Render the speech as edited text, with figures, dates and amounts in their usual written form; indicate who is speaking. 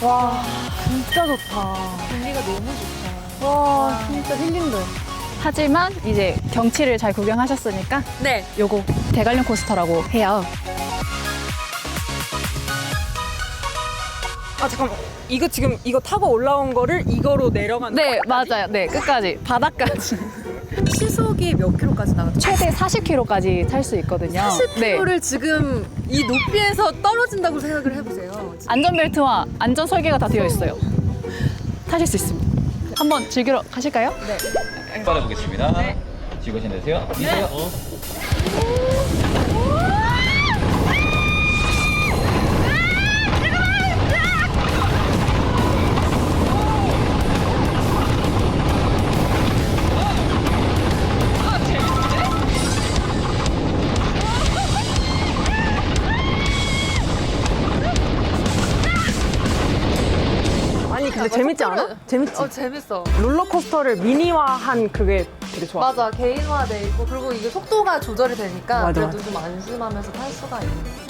Speaker 1: 와, 진짜 좋다.
Speaker 2: 분위기가 너무 좋다.
Speaker 1: 와, 진짜 힐링돼.
Speaker 3: 하지만 이제 경치를 잘 구경하셨으니까
Speaker 2: 네.
Speaker 3: 요거 대관령 코스터라고 해요.
Speaker 2: 아, 잠깐만. 이거 지금 이거 타고 올라온 거를 이거로 내려가는
Speaker 3: 네, 맞아요. 네, 끝까지 바닥까지.
Speaker 2: 시속이 몇 킬로까지 나가죠?
Speaker 3: 최대 40km까지 탈 수 있거든요.
Speaker 2: 40킬로를 지금 이 높이에서 떨어진다고 생각을 해보세요.
Speaker 3: 안전벨트와 안전 설계가 다 되어 있어요. 타실 수 있습니다. 한번 즐기러 가실까요?
Speaker 4: 받아보겠습니다. 지구신 되세요. 미세요.
Speaker 1: 아니, 근데 재밌지 않아? 재밌지?
Speaker 2: 재밌어.
Speaker 1: 롤러코스터를 미니화한 그게 되게 좋아.
Speaker 2: 맞아, 개인화돼 있고 그리고 이게 속도가 조절이 되니까
Speaker 1: 맞아,
Speaker 2: 그래도 좀 안심하면서 탈 수가 있는.